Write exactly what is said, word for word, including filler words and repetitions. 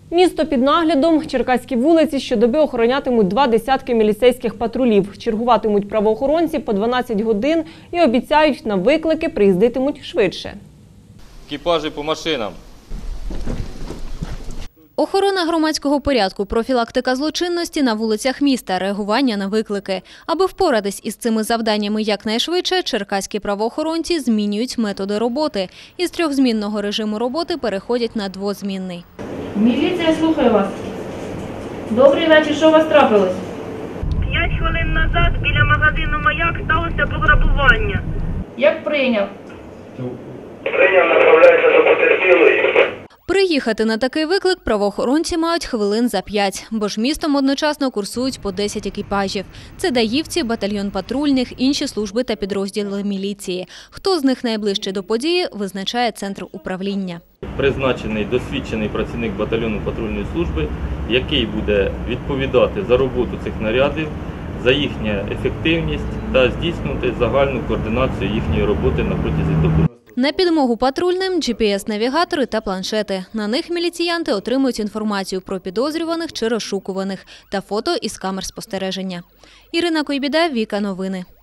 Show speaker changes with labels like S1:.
S1: Місто під наглядом. Черкаські вулиці щодоби охоронятимуть два десятки міліцейських патрулів. Чергуватимуть правоохоронці по дванадцять годин і обіцяють, на виклики приїздитимуть швидше.
S2: Екіпажі по машинам.
S3: Охорона громадського порядку, профілактика злочинності на вулицях міста, реагування на виклики. Аби впоратись із цими завданнями якнайшвидше, черкаські правоохоронці змінюють методи роботи. Із трьохзмінного режиму роботи переходять на двозмінний.
S4: Міліція, слухаю вас. Добрий вечір, що у вас трапилось?
S5: П'ять хвилин назад біля магазину «Маяк» сталося пограбування.
S4: Як прийняв?
S5: Прийняв, направляється до потерпілої.
S3: Приїхати на такий виклик правоохоронці мають хвилин за п'ять, бо ж містом одночасно курсують по десять екіпажів. Це даївці, батальйон патрульних, інші служби та підрозділи міліції. Хто з них найближче до події, визначає центр управління.
S2: Призначений досвідчений працівник батальйону патрульної служби, який буде відповідати за роботу цих нарядів, за їхню ефективність та здійснювати загальну координацію їхньої роботи на протязі доби.
S3: На підмогу патрульним – джі пі ес-навігатори та планшети. На них міліціянти отримують інформацію про підозрюваних чи розшукуваних та фото із камер спостереження. Ірина Койбіда, Віка Новини.